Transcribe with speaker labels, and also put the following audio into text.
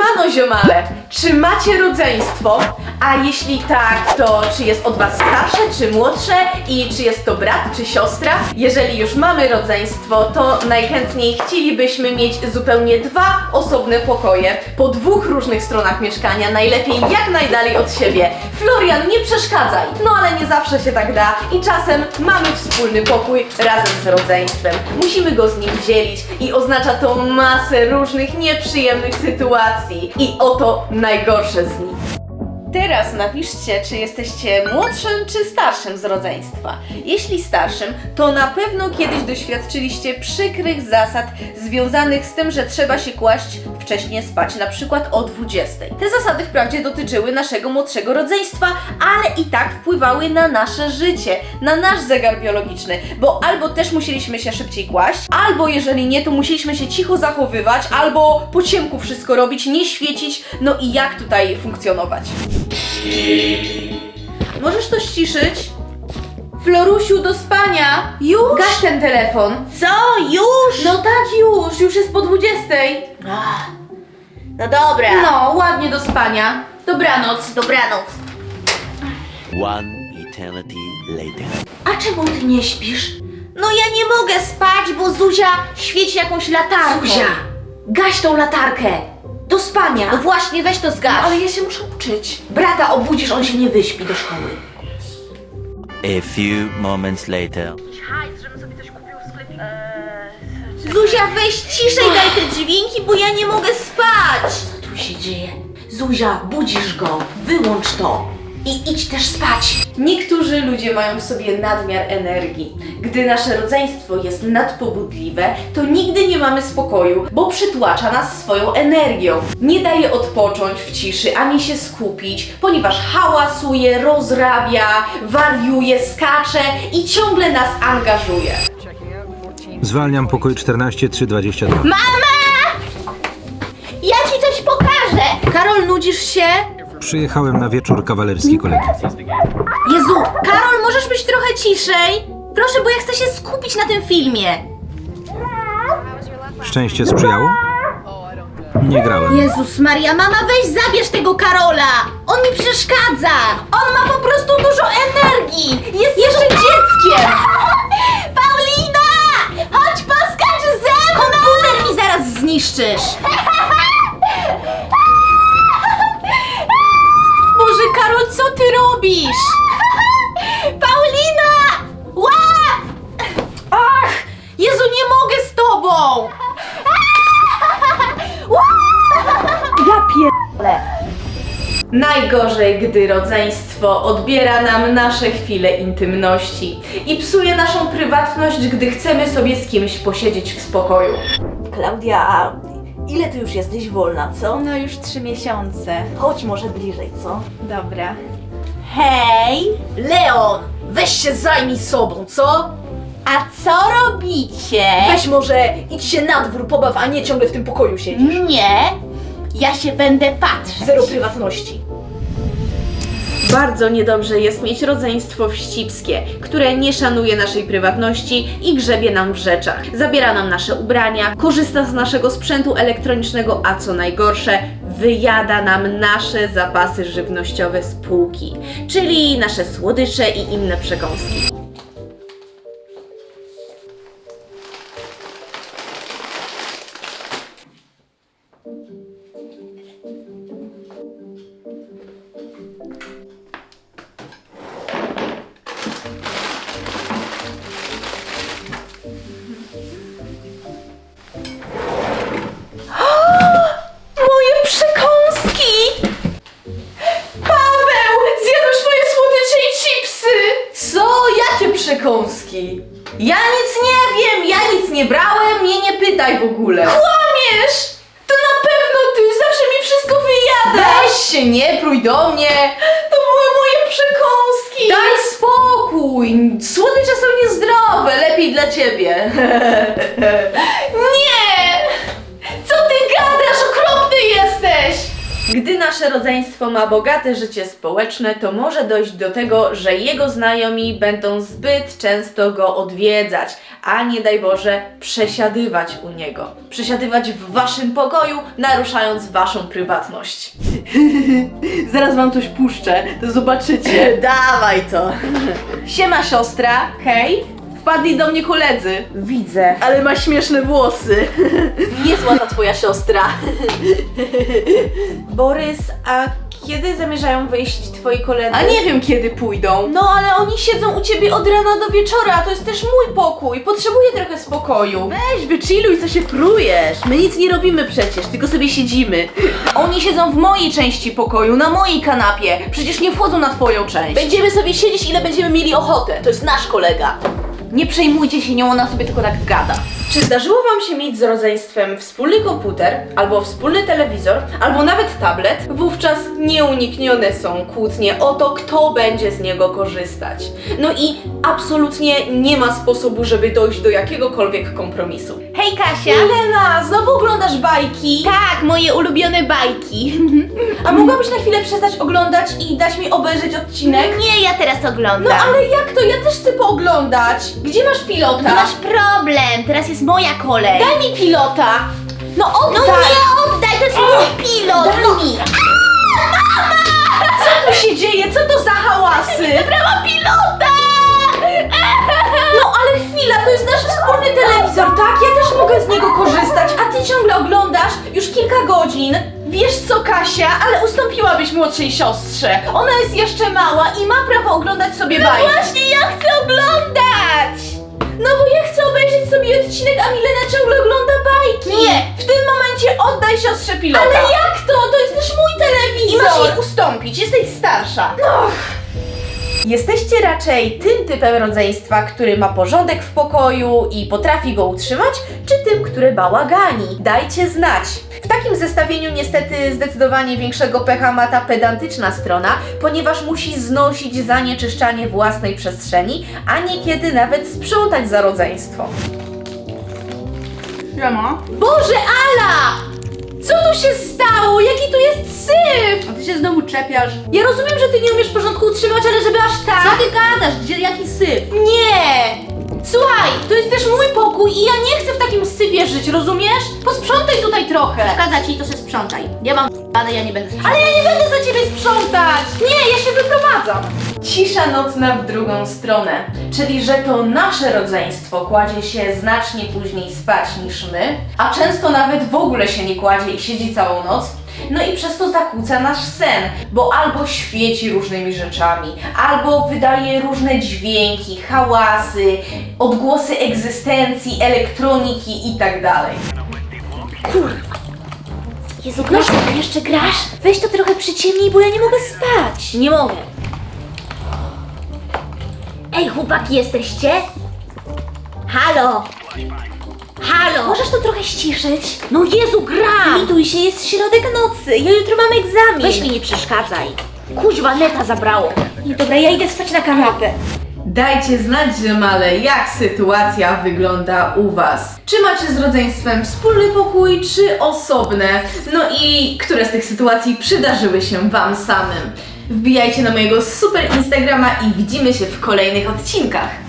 Speaker 1: Siemano ziomale, czy macie rodzeństwo? A jeśli tak, to czy jest od was starsze, czy młodsze? I czy jest to brat, czy siostra? Jeżeli już mamy rodzeństwo, to najchętniej chcielibyśmy mieć zupełnie dwa osobne pokoje po dwóch różnych stronach mieszkania, najlepiej jak najdalej od siebie. Florian, nie przeszkadzaj! No ale nie zawsze się tak da i czasem mamy wspólny pokój razem z rodzeństwem. Musimy go z nim dzielić i oznacza to masę różnych nieprzyjemnych sytuacji. I oto najgorsze z nich. Teraz napiszcie, czy jesteście młodszym czy starszym z rodzeństwa. Jeśli starszym, to na pewno kiedyś doświadczyliście przykrych zasad związanych z tym, że trzeba się kłaść wcześniej spać, na przykład o 20. Te zasady wprawdzie dotyczyły naszego młodszego rodzeństwa, ale i tak wpływały na nasze życie, na nasz zegar biologiczny, bo albo też musieliśmy się szybciej kłaść, albo jeżeli nie, to musieliśmy się cicho zachowywać, albo po ciemku wszystko robić, nie świecić, no i jak tutaj funkcjonować? Możesz to ściszyć? Florusiu, do spania!
Speaker 2: Już?
Speaker 1: Gaś ten telefon.
Speaker 2: Co? Już?
Speaker 1: No tak, już jest po 20.
Speaker 2: No dobra.
Speaker 1: No, ładnie do spania. Dobranoc.
Speaker 2: Dobranoc.
Speaker 3: One eternity later.
Speaker 2: A czemu ty nie śpisz? No ja nie mogę spać, bo Zuzia świeci jakąś latarką.
Speaker 1: Zuzia, gaś tą latarkę. Do spania.
Speaker 2: No właśnie, weź to zgaś.
Speaker 1: Ale ja się muszę uczyć. Brata obudzisz, on się nie wyśpi do szkoły.
Speaker 3: A few moments later.
Speaker 2: Zuzia, weź ciszej daj te dźwięki, bo ja nie mogę spać.
Speaker 1: Co tu się dzieje? Zuzia, budzisz go. Wyłącz to. I idź też spać. Niektórzy ludzie mają w sobie nadmiar energii. Gdy nasze rodzeństwo jest nadpobudliwe, to nigdy nie mamy spokoju, bo przytłacza nas swoją energią. Nie daje odpocząć w ciszy, ani się skupić, ponieważ hałasuje, rozrabia, wariuje, skacze i ciągle nas angażuje.
Speaker 4: Zwalniam pokój 14322.
Speaker 2: Ja ci coś pokażę. Karol, nudzisz się?
Speaker 4: Przyjechałem na wieczór kawalerski kolegi.
Speaker 2: Jezu, Karol, możesz być trochę ciszej? Proszę, bo ja chcę się skupić na tym filmie.
Speaker 4: Szczęście sprzyjało? Nie grałem.
Speaker 2: Jezus Maria, mama, weź zabierz tego Karola! On mi przeszkadza! On ma po prostu dużo energii! Jest jeszcze dzieckiem! Paulina! Chodź poskacz ze mną! Komputer mi zaraz zniszczysz! Boże, Karol, co ty robisz? Paulina! Łap! Ach! Jezu, nie mogę z tobą!
Speaker 1: Najgorzej, gdy rodzeństwo odbiera nam nasze chwile intymności i psuje naszą prywatność, gdy chcemy sobie z kimś posiedzieć w spokoju.
Speaker 2: Klaudia, a ile ty już jesteś wolna, co?
Speaker 1: No już 3 miesiące.
Speaker 2: Chodź może bliżej, co?
Speaker 1: Dobra.
Speaker 2: Hej! Leon! Weź się zajmij sobą, co? A co robicie?
Speaker 1: Weź może idź się na dwór pobaw, a nie ciągle w tym pokoju siedzisz.
Speaker 2: Nie, ja się będę patrzeć.
Speaker 1: Zero prywatności. Bardzo niedobrze jest mieć rodzeństwo wścibskie, które nie szanuje naszej prywatności i grzebie nam w rzeczach. Zabiera nam nasze ubrania, korzysta z naszego sprzętu elektronicznego, a co najgorsze, wyjada nam nasze zapasy żywnościowe z półki, czyli nasze słodycze i inne przekąski. Moje przekąski! Paweł! Zjadłeś moje słodycze i chipsy! Co? Jakie przekąski? Ja nic nie wiem, ja nic nie brałem, mnie nie pytaj w ogóle. Kłamiesz! To na pewno ty, zawsze mi wszystko wyjadasz! Weź się, nie prój do mnie! To były moje przekąski! Daj spokój! Słodycze są niezdrowe, lepiej dla ciebie. Nie! Co ty gadasz? Okropny jesteś! Gdy nasze rodzeństwo ma bogate życie społeczne, to może dojść do tego, że jego znajomi będą zbyt często go odwiedzać, a nie daj Boże przesiadywać u niego. Przesiadywać w waszym pokoju, naruszając waszą prywatność. Zaraz wam coś puszczę, to zobaczycie. Dawaj to. Siema siostra, hej. Wpadli do mnie koledzy. Widzę. Ale ma śmieszne włosy. Niezła ta twoja siostra. Borys, a kiedy zamierzają wyjść twoi koledzy? A nie wiem, kiedy pójdą. No ale oni siedzą u ciebie od rana do wieczora, a to jest też mój pokój. Potrzebuję trochę spokoju. Weź, wychilluj, co się prujesz. My nic nie robimy przecież, tylko sobie siedzimy. Oni siedzą w mojej części pokoju, na mojej kanapie. Przecież nie wchodzą na twoją część. Będziemy sobie siedzieć, ile będziemy mieli ochotę. To jest nasz kolega. Nie przejmujcie się nią, ona sobie tylko tak gada. Czy zdarzyło wam się mieć z rodzeństwem wspólny komputer, albo wspólny telewizor, albo nawet tablet? Wówczas nieuniknione są kłótnie o to, kto będzie z niego korzystać. No i absolutnie nie ma sposobu, żeby dojść do jakiegokolwiek kompromisu.
Speaker 2: Hej Kasia!
Speaker 1: Milena, znowu oglądasz bajki?
Speaker 2: Tak, moje ulubione bajki.
Speaker 1: A mogłabyś na chwilę przestać oglądać i dać mi obejrzeć odcinek?
Speaker 2: Nie, ja teraz oglądam.
Speaker 1: No ale jak to? Ja też chcę pooglądać. Gdzie masz pilota?
Speaker 2: No masz problem, teraz jest moja kolej.
Speaker 1: Daj mi pilota! No oddaj!
Speaker 2: No nie oddaj, to jest mój pilot!
Speaker 1: Daj mi! Co tu się dzieje? Co to za hałasy?
Speaker 2: Zabrałam pilota!
Speaker 1: No ale chwila, to jest nasz wspólny telewizor, tak? Ja też mogę z niego korzystać, a ty ciągle oglądasz już kilka godzin. Wiesz co, Kasia, ale ustąpiłabyś młodszej siostrze. Ona jest jeszcze mała i ma prawo oglądać sobie bajki.
Speaker 2: No właśnie, ja chcę oglądać!
Speaker 1: No bo ja chcę obejrzeć sobie odcinek, a Milena ciągle ogląda bajki. Nie, w tym momencie oddaj siostrze pilota. Ale jak to? To jest też mój telewizor. I masz jej ustąpić, jesteś starsza. No. Jesteście raczej tym typem rodzeństwa, który ma porządek w pokoju i potrafi go utrzymać, czy tym, który bałagani? Dajcie znać. W takim zestawieniu niestety zdecydowanie większego pecha ma ta pedantyczna strona, ponieważ musi znosić zanieczyszczanie własnej przestrzeni, a niekiedy nawet sprzątać za rodzeństwo.
Speaker 2: Siema.
Speaker 1: Boże, Ala! Co tu się stało? Jaki tu jest syf?
Speaker 2: A ty się znowu czepiasz.
Speaker 1: Ja rozumiem, że ty nie umiesz porządku utrzymać, ale żeby aż tak...
Speaker 2: Co ty gadasz? Gdzie, jaki syf?
Speaker 1: Nie! Słuchaj, to jest też mój pokój i ja nie chcę w takim syfie żyć, rozumiesz? Posprzątaj tutaj trochę.
Speaker 2: Przeszkadza ci, to się sprzątaj. Ja mam ale ja nie będę sprzątać.
Speaker 1: Ale ja nie będę za ciebie sprzątać! Nie, ja się wyprowadzam! Cisza nocna w drugą stronę, czyli że to nasze rodzeństwo kładzie się znacznie później spać niż my, a często nawet w ogóle się nie kładzie i siedzi całą noc. No i przez to zakłóca nasz sen, bo albo świeci różnymi rzeczami, albo wydaje różne dźwięki, hałasy, odgłosy egzystencji, elektroniki itd.
Speaker 2: Jezu, grasz, jeszcze grasz? Weź to trochę przyciemnij, bo ja nie mogę spać.
Speaker 1: Nie mogę.
Speaker 2: Ej, chłopaki, jesteście? Halo? Halo? Możesz to trochę ściszyć? No Jezu, gram! Zlituj się, jest środek nocy, ja jutro mam egzamin. Weź mi nie przeszkadzaj. Kuźwa, neta zabrało. Nie, dobra, ja idę spać na kanapę.
Speaker 1: Dajcie znać, ziomale, jak sytuacja wygląda u was. Czy macie z rodzeństwem wspólny pokój, czy osobne? No i które z tych sytuacji przydarzyły się wam samym? Wbijajcie na mojego super Instagrama i widzimy się w kolejnych odcinkach.